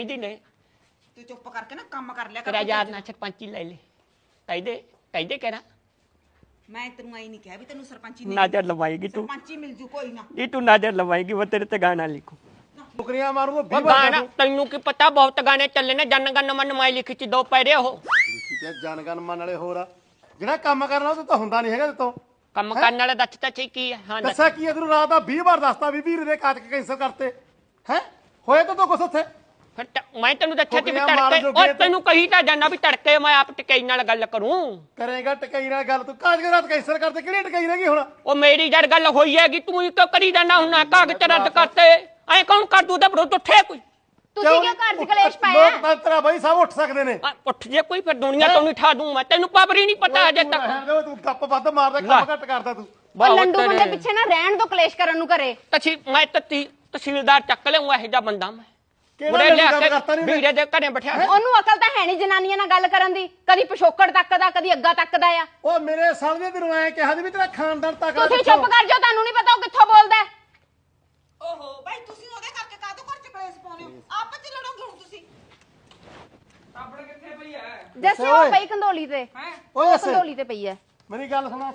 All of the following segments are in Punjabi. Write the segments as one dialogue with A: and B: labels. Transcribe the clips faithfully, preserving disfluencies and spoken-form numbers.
A: ने
B: तू चुप करके ना काम कर लिया
A: तेरा यार ना सरपंची ले ले कहदे कहदे कहना
B: मैं तेनू आई नहीं कहा भी तेनू सरपंची
A: नजर लवाएगी तू
B: सरपंची मिल जू कोई ना
A: जी तू नजर लवाएगी वो तेरे ते गाना लिखू
C: टुकड़ियां मारूंगा
A: वो गाना तैनू की पता बहुत गाने चले ने जन गण मन माई लिखी ची दो पैरे हो
C: ਤੇ ਜਨਗਨ ਮੰਨ ਵਾਲੇ ਹੋਰ ਆ ਜਿਹੜਾ ਕੰਮ ਕਰਨ ਵਾਲਾ ਤਾਂ ਹੁੰਦਾ ਨਹੀਂ ਹੈਗਾ ਤੇਤੋਂ
A: ਕੰਮ ਕਰਨ ਵਾਲਾ ਦੱਸ ਤਾਂ ਠੀਕ ਕੀ ਹੈ ਹਾਂ
C: ਦੱਸਿਆ ਕੀ ਹੈ ਤੈਨੂੰ ਰਾਤ ਦਾ ਵੀਹ ਵਾਰ ਦੱਸਤਾ ਵੀ ਵੀਰ ਦੇ ਕਾਚ ਕੈਂਸਲ ਕਰਤੇ ਹੈ ਹੋਏ ਤਾਂ ਤੋ ਕੁਛ ਉੱਥੇ
A: ਫਿਰ ਮੈਂ ਤੈਨੂੰ ਦੱਸਿਆ ਕਿ ਵੀ ਤੜਕੇ ਉਹ ਤੈਨੂੰ ਕਹੀ ਤਾਂ ਜਾਨਾ ਵੀ ਤੜਕੇ ਮੈਂ ਆਪ ਟਿਕਾਈ ਨਾਲ ਗੱਲ ਕਰੂੰ
C: ਕਰੇਗਾ ਟਕਾਈ ਨਾਲ ਗੱਲ ਤੂੰ ਕਾਜ ਰਾਤ ਕੈਂਸਲ ਕਰਤੇ ਕਿਹੜੀ ਟਕਾਈ ਰਹਿ ਗਈ ਹੁਣ
A: ਉਹ ਮੇਰੀ ਜੜ ਗੱਲ ਹੋਈ ਹੈਗੀ ਤੂੰ ਕਿਉਂ ਕਰੀ ਜਾਨਾ ਹੁੰਨਾ ਕਾਗਜ਼ ਰੱਦ ਕਰਤੇ ਐ ਕੌਣ ਕਰ ਦੂ ਤੇ ਵਿਰੁੱਧ ਉੱਠੇ ਕੋਈ
D: ਤੁਸੀਂ ਕਿਉਂ ਘਰ ਚ ਕਲੇਸ਼ ਪਾਇਆ
C: ਲੋਕਤੰਤਰ ਆ ਬਈ ਸਭ ਉੱਠ ਸਕਦੇ ਨੇ
A: ਉੱਠ ਜੇ ਕੋਈ ਫਿਰ ਦੁਨੀਆ ਤੋਂ ਨਹੀਂ ਠਾ ਦੂੰ ਮੈਂ ਤੈਨੂੰ ਪਾਵਰ ਹੀ ਨਹੀਂ ਪਤਾ ਅਜੇ ਤੱਕ
C: ਤੂੰ ਗੱਪ ਵੱਧ ਮਾਰਦਾ ਕੰਮ ਘੱਟ ਕਰਦਾ ਤੂੰ
D: ਉਹ ਲੰਡੂ ਬੰਦੇ ਪਿੱਛੇ ਨਾ ਰਹਿਣ ਦੋ ਕਲੇਸ਼ ਕਰਨ ਨੂੰ ਘਰੇ
A: ਤਸੀ ਮੈਂ ਤਤੀ ਤਹਿਸੀਲਦਾਰ ਚੱਕ ਲਿਆਉਂਗਾ ਇਹੋ ਜਿਹਾ ਬੰਦਾ ਮੈਂ
C: ਕਿਹੜਾ ਲੰਡੂ ਕਰਤਾ ਨਹੀਂ
A: ਵੀਰੇ ਦੇ ਘਰੇ ਬਿਠਾ
D: ਉਹਨੂੰ ਅਕਲ ਤਾਂ ਹੈ ਨਹੀਂ ਜਨਾਨੀਆਂ ਨਾਲ ਗੱਲ ਕਰਨ ਦੀ ਕਦੀ ਪਿਛੋਕੜ ਤੱਕਦਾ ਕਦੀ ਅੱਗਾ ਤੱਕਦਾ ਆ
C: ਉਹ ਮੇਰੇ ਸਾਹਮਣੇ ਤੈਨੂੰ ਐ ਕਿਹਾ ਸੀ ਵੀ ਤੇਰਾ ਖਾਨਦਾਨ ਤੱਕ
D: ਤੁਸੀਂ ਚੁੱਪ ਕਰ ਜਾਓ ਤੁਹਾਨੂੰ ਨਹੀਂ ਪਤਾ ਉਹ ਕਿੱਥੋਂ ਬੋਲਦਾ
B: ਓਹੋ ਭਾਈ ਤੁਸੀਂ ਉਹਦੇ ਕਰਕੇ ਕਾਹਦੋਂ ਘਰ ਚ ਕਲੇਸ਼ ਪਾਉਂਦੇ ਹੋ ਆਪਸ ਚ ਲੜੋਗੇ ਹੁਣ ਤੁਸੀਂ
E: ਆਪਣੇ ਕਿੱਥੇ ਪਈ ਐ
D: ਜੱਸੇ ਉਹ ਪਈ ਕੰਦੋਲੀ ਤੇ
E: ਹੈ
C: ਓਏ
D: ਕੰਦੋਲੀ ਤੇ ਪਈ ਐ
C: ਮੇਰੀ ਗੱਲ ਸੁਣਾ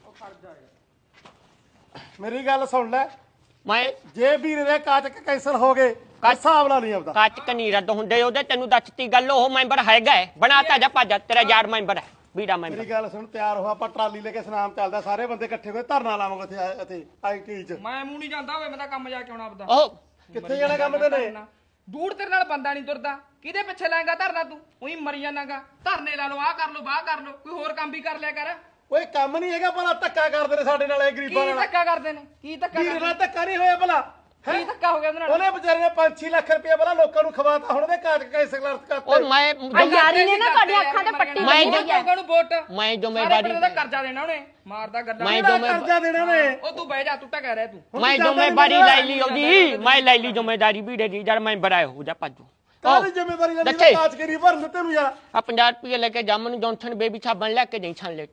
C: ਮੇਰੀ ਗੱਲ ਸੁਣ ਲੈ
A: ਮੈਂ
C: ਜੇ ਵੀਰ ਦੇ ਕਾਚ ਕੈਂਸਲ ਹੋ ਗਏ ਹਿਸਾਬ ਲਾ ਨਹੀਂ ਆਉਂਦਾ
A: ਕੱਚ ਕਨੀ ਰੱਦ ਹੁੰਦੇ ਉਹਦੇ ਤੈਨੂੰ ਦੱਸਤੀ ਗੱਲ ਉਹ ਮੈਂਬਰ ਹੈਗਾ ਬਣਾਤਾ ਜਾ ਭੱਜ ਤੇਰਾ ਯਾਰ ਮੈਂਬਰ ਹੈ ਵੀਰਾ ਮੈਂਬਰ
C: ਮੇਰੀ ਗੱਲ ਸੁਣ ਤਿਆਰ ਹੋ ਆਪਾਂ ਟਰਾਲੀ ਲੈ ਕੇ ਸਨਾਮ ਚੱਲਦਾ ਸਾਰੇ ਬੰਦੇ ਇਕੱਠੇ ਹੋਏ ਧਰਨਾ ਲਾਵਾਂਗੇ ਇੱਥੇ ਇੱਥੇ ਆਈਟੀ ਚ
E: ਮੈਂ ਮੂੰਹ ਨਹੀਂ ਜਾਂਦਾ ਹੋਵੇ ਮੈਂ ਤਾਂ ਕੰਮ ਜਾ ਕੇ ਆਉਣਾ ਆਪਦਾ
A: ਉਹ
C: ਕਿੱਥੇ ਜਾਣਾ ਕੰਮ ਤੇ ਨੇ
E: ਦੂਰ ਤੇਰੇ ਨਾਲ ਬੰਦਾ ਨਹੀਂ ਤੁਰਦਾ ਕਿਹਦੇ ਪਿੱਛੇ ਲਾਏਗਾ ਧਰਨਾ ਤੂੰ ਉਹੀ ਮਰੀ ਜਾਣਾਗਾ ਧਰਨੇ ਲਾ ਲਓ ਆਹ ਕਰ ਲਓ ਬਾਹ ਕਰ ਲਓ ਕੋਈ ਹੋਰ ਕੰਮ ਵੀ ਕਰ ਲਿਆ ਕਰ
C: ਓਏ ਕੰਮ ਨਹੀਂ ਹੈਗਾ ਭਲਾ ਧੱਕਾ ਕਰਦੇ ਨੇ ਸਾਡੇ ਨਾਲ ਇਹ ਗਰੀਬਾਂ
E: ਕੀ
C: ਨਾਲ
E: ਧੱਕਾ ਕਰਦੇ ਨੇ ਕੀ ਧੱਕਾ
C: ਵੀਰ ਨਾਲ ਧੱਕਾ ਨਹੀਂ ਹੋਇਆ ਭਲਾ
E: ਕੀ ਧੱਕਾ ਹੋ ਗਿਆ ਉਹਦੇ ਨਾਲ
C: ਉਹਨੇ ਵਿਚਾਰੇ ਨੇ ਪੰਜ ਛੇ ਲੱਖ ਰੁਪਏ ਭਲਾ ਲੋਕਾਂ ਨੂੰ ਖਵਾਤਾ ਹੁਣ ਉਹਦੇ ਕਾਚ ਕੈਂਸਲ ਕਰਤੇ
A: ਉਹ ਮੈਂ
D: ਆ ਯਾਰੀ ਨੇ ਨਾ ਤੁਹਾਡੀਆਂ ਅੱਖਾਂ ਤੇ ਪੱਟੀ
A: ਮੈਂ
D: ਬੰਨੀ ਹੋਈ ਐ
E: ਲੋਕਾਂ ਨੂੰ ਵੋਟ
A: ਮੈਂ
E: ਸਾਰੇ
A: ਜ਼ਿੰਮੇਵਾਰੀ
E: ਪਿੰਡ ਦਾ ਕਰਜ਼ਾ ਦੇਣਾ ਉਹਨੇ ਮਾਰਦਾ ਗੱਲਾਂ
A: ਮੈਂ
C: ਕਿਹੜਾ
A: ਜ਼ਿੰਮੇ-
C: ਕਰਜ਼ਾ ਦੇਣਾ ਨੇ
E: ਉਹ ਤੂੰ ਬਹਿ ਜਾ ਤੂੰ ਤਾਂ ਕਹਿ ਰਿਹਾ ਤੂੰ
A: ਮੈਂ ਜ਼ਿੰਮੇਵਾਰੀ ਲੈ ਲਈ ਉਹਦੀ ਮੈਂ ਲੈ ਲਈ ਜ਼ਿੰਮੇਵਾਰੀ ਵੀਰੇ ਦੀ ਜਦ ਮੈਂ ਬੜਾ ਹੋ ਜਾ ਭੱਜੂ
C: ਕਾਹਦੀ ਜ਼ਿੰਮੇਵਾਰੀ ਲੈਣੀ
A: ਦੱਸੇ।
C: ਕਾਚ ਕਰੀ ਭਰਨ ਤੈਨੂੰ ਯਾਰ
A: ਆ ਪੰਜਾਹ ਰੁਪਏ ਲੈ ਕੇ ਜਾਮਨ ਜੌਨਸਨ ਬੇਬੀ ਸਾਬਣ ਲੈ ਕੇ ਜਾਈ ਛਾਣ ਲੇਟ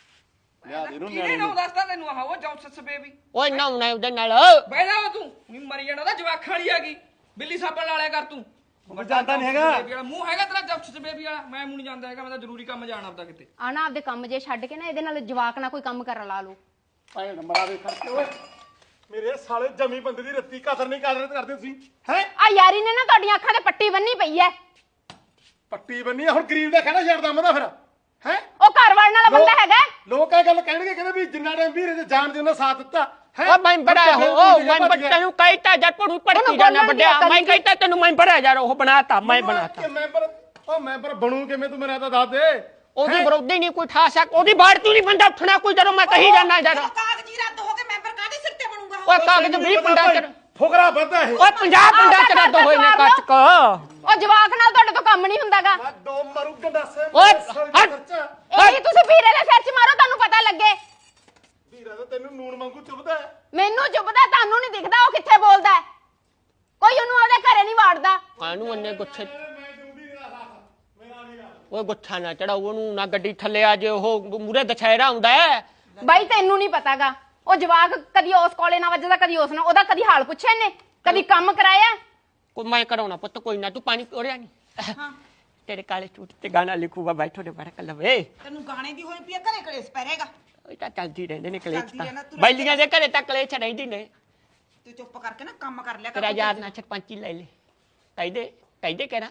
C: ਲਿਆ ਦੇ ਨੂੰ
E: ਕਿਹਨੇ ਨਾ ਦੱਸਦਾ ਤੈਨੂੰ ਆਹ ਉਹ ਜੌਂਸਸ ਬੇਬੀ
A: ਓਏ ਨਾ ਹੁਣਾ ਉਹਦੇ ਨਾਲ
E: ਬਹਿ ਜਾ ਤੂੰ ਵੀ ਮਰੀ ਜਾਣਾ ਉਹਦਾ ਜਵਾਖਾਂ ਵਾਲੀ ਹੈਗੀ ਬਿੱਲੀ ਸਾਬਣ ਲਾ ਲਿਆ ਕਰ ਤੂੰ
C: ਜਾਂਦਾ ਨਹੀਂ ਹੈਗਾ
E: ਬੇਬੀ ਵਾਲਾ ਮੂੰਹ ਹੈਗਾ ਤੇਰਾ ਜੌਂਸਸ ਬੇਬੀ ਵਾਲਾ ਮੈਂ ਮੂੰਹ ਨਹੀਂ ਜਾਂਦਾ ਹੈਗਾ ਮੈਂ ਤਾਂ ਜ਼ਰੂਰੀ ਕੰਮ ਜਾਣਾ ਆਪਦਾ ਕਿਤੇ
D: ਆਣਾ ਆਪਦੇ ਕੰਮ ਜੇ ਛੱਡ ਕੇ ਨਾ ਇਹਦੇ ਨਾਲ ਜਵਾਕ ਨਾਲ ਕੋਈ ਕੰਮ ਕਰ ਲਾ ਲਓ
C: ਭੈਣ ਮਰਾਵੇ ਕਰਕੇ ਓਏ ਮੇਰੇ ਸਾਲੇ ਜਮੀ ਬੰਦੇ ਦੀ ਰੱਤੀ ਕਦਰ ਨਹੀਂ ਕਦਰ ਕਰਦੇ ਤੁਸੀਂ ਹੈ
D: ਆ ਯਾਰੀ ਨੇ ਨਾ ਤੁਹਾਡੀਆਂ ਅੱਖਾਂ ਤੇ ਪੱਟੀ ਬੰਨੀ ਪਈ ਐ
C: ਪੱਟੀ ਬੰਨੀ ਆ, ਹੁਣ ਗਰੀਬ ਦਾ ਕਹਿਣਾ ਛੱਡਦਾ ਮੈਂ ਤਾਂ ਫਿਰ ਹੈ
D: ਉਹ ਘਰ ਵੜਨ ਵਾਲਾ ਬੰਦਾ ਹੈਗਾ
C: ਲੋਕ ਇਹ ਗੱਲ ਕਹਿਣਗੇ ਕਹਿੰਦੇ ਵੀ ਜਿੰਨਾ ਟਾਈਮ ਵੀਰੇ ਦੇ ਜਾਣ ਦੇ ਉਹਨਾਂ ਸਾਥ ਦਿੱਤਾ ਹੈਂ?
A: ਉਹ ਮੈਂ ਬੜਾ ਹੋ ਉਹ ਮੈਂ ਤੈਨੂੰ ਕਹਿਤਾ ਜਦ ਪੜੂ ਪੜਕੀ ਜਾਣਾ ਵੱਡਿਆ ਮੈਂ ਕਹਿਤਾ ਤੈਨੂੰ ਮੈਂ ਬੜਾ ਯਾਰ ਉਹ ਬਣਾਤਾ ਮੈਂ ਬਣਾਤਾ
C: ਕਿ ਮੈਂਬਰ ਉਹ ਮੈਂਬਰ ਬਣੂ ਕਿਵੇਂ ਤੂੰ ਮੇਰਾ ਤਾਂ ਦੱਸ ਦੇ
A: ਉਹਦੀ ਵਿਰੋਧੀ ਨਹੀਂ ਕੋਈ ਠਾ ਸਕ ਉਹਦੀ ਬਾੜ ਤੂੰ ਨਹੀਂ ਬੰਦਾ ਉੱਠਣਾ ਕੋਈ ਜਦੋਂ ਮੈਂ ਕਹੀ ਜਾਣਾ ਯਾਰ
B: ਕਾਗਜ਼ੀ ਰੱਦ ਹੋ ਕੇ ਮੈਂਬਰ ਕਾਹਦੇ ਸਿਰ ਤੇ ਬਣੂਗਾ
A: ਓਏ ਕਾਗਜ਼ ਵੀਹ ਪਿੰਡਾਂ ਚ
C: ਫੁਕਰਾ ਵੱਧਾ ਇਹ
A: ਓਏ ਪੰਜਾਹ ਪਿੰਡਾਂ ਚ ਰੱਦ ਹੋਏ ਨੇ ਕੱਚ ਕ
D: ਉਹ ਜਵਾਕ ਨਾਲ ਤੁਹਾਡੇ ਤੋਂ ਕੰਮ ਨਹੀਂ ਹੁੰਦਾਗਾ
C: ਮੈਂ ਦੋ ਮਰੂ ਗੰਡਾਸੇ
A: ਓਏ, ਹਟ।
D: ਇਹੀ ਤੁਸੀਂ ਵੀਰੇ ਦੇ ਸਿਰ 'ਚ ਮਾਰੋ ਤੁਹਾਨੂੰ ਪਤਾ ਲੱਗੇ
C: ਵੀਰਾ ਤਾਂ ਤੈਨੂੰ ਨੂਣ ਵਾਂਗੂ ਚੁੱਭਦਾ ਹੈ।
D: ਮੈਨੂੰ ਚੁੱਪਦਾ ਤੁਹਾਨੂੰ ਨਹੀਂ ਦਿਖਦਾ ਉਹ ਕਿੱਥੇ ਬੋਲਦਾ ਹੈ। ਕੋਈ ਉਹਨੂੰ ਉਹਦੇ ਘਰੇ ਨਹੀਂ ਵਾੜਦਾ
A: ਕਾਹਨੂੰ ਅੰਨੇ ਗੁੱਛੇ
C: ਮੈਂ ਤੂੰ ਵੀਰੇ ਦਾ ਸਾਥ ਮੇਰਾ ਨਹੀਂ ਗੱਲ
A: ਓਏ ਗੁੱਛਾ ਨਾ ਚੜਾਓ ਉਹਨੂੰ ਨਾ ਗੱਡੀ ਥੱਲੇ ਆ ਜੇ ਉਹ ਮੂਰੇ ਦਸ਼ਹਿਰਾ ਹੁੰਦਾ ਹੈ
D: ਬਾਈ ਤੈਨੂੰ ਨਹੀਂ ਪਤਾਗਾ ਉਹ ਜਵਾਕ ਕਦੀ ਉਸ ਕੋਲੇ ਨਾਲ ਵੱਜਦਾ ਕਦੀ ਉਸ ਨਾਲ ਉਹਦਾ ਕਦੀ ਹਾਲ ਪੁੱਛਿਆ ਇਹਨੇ ਕਦੀ ਕੰਮ ਕਰਾਇਆ
A: ਕੋਈ ਮੈਂ ਕਰਾਉਣਾ ਪੁੱਤ ਕੋਈ ਨਾ ਤੂੰ ਪਾਣੀ ਪੀੜਿਆ ਨਹੀਂ
B: ਹਾਂ
A: ਤੇਰੇ ਕਾਲੇ ਸੂਟ ਤੇ ਗਾਣਾ ਲਿਖੂਗਾ ਬੈਠੋ ਦੇ ਬੜਾ ਲਵੇ
B: ਤੈਨੂੰ ਗਾਣੇ ਦੀ ਹੋਈ ਪਈ ਆ ਘਰੇ ਕਲੇਸ਼ ਪੈ ਰਹੇਗਾ
A: ਉਹ ਤਾਂ ਚੱਲਦੀ ਰਹਿੰਦੇ ਨੇ ਕਲੇਸ਼
B: ਚੱਲਦੀ
A: ਤਾਂ
B: ਰਹਿਣਾ, ਤੂੰ
A: ਬੈਲੀਆਂ ਦੇ ਘਰੇ ਤਾਂ ਕਲੇਸ਼ ਰਹਿੰਦੀ ਨੇ
B: ਤੂੰ ਚੁੱਪ ਕਰਕੇ ਨਾ ਕੰਮ ਕਰ ਲਿਆ
A: ਤੇਰਾ
B: ਕਰ
A: ਯਾਰ ਨਾ ਸਰਪੰਚੀ ਲੈ ਲੈ ਕਹਿੰਦੇ ਕਹਿੰਦੇ ਕਹਿਣਾ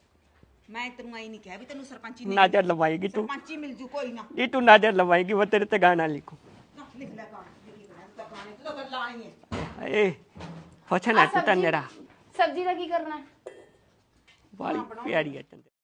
B: ਮੈਂ ਤੈਨੂੰ ਆਈ ਨਹੀਂ ਕਿਹਾ ਵੀ ਤੈਨੂੰ ਸਰਪੰਚੀ
A: ਨਜ਼ਰ ਲਵਾਏਗੀ ਤੂੰ
B: ਸਰਪੰਚੀ ਮਿਲ ਜੂ ਕੋਈ ਨਾ
A: ਇਹ ਤੂੰ ਨਜ਼ਰ ਲਵਾਏਗੀ ਉਹ ਤੇਰੇ ਤੇ ਗਾਣਾ ਲਿਖੂ
B: ਨਾ, ਲਿਖ ਲੈ ਗਾਣਾ ਲਿਖ ਲੈ ਤੂੰ ਤਾਂ ਗਾਣੇ ਤੂੰ ਤਾਂ ਗੱਲਾਂ ਆਈ ਹੈ
A: ਏ ਪੁੱਛਣਾ ਤੂੰ ਤਾਂ ਮੇਰਾ
D: ਸਬਜ਼ੀ ਦਾ ਕੀ ਕਰਨਾ
A: ਵਾਲੀ ਪਿਆਰੀ ਹੈ ਚੰਦ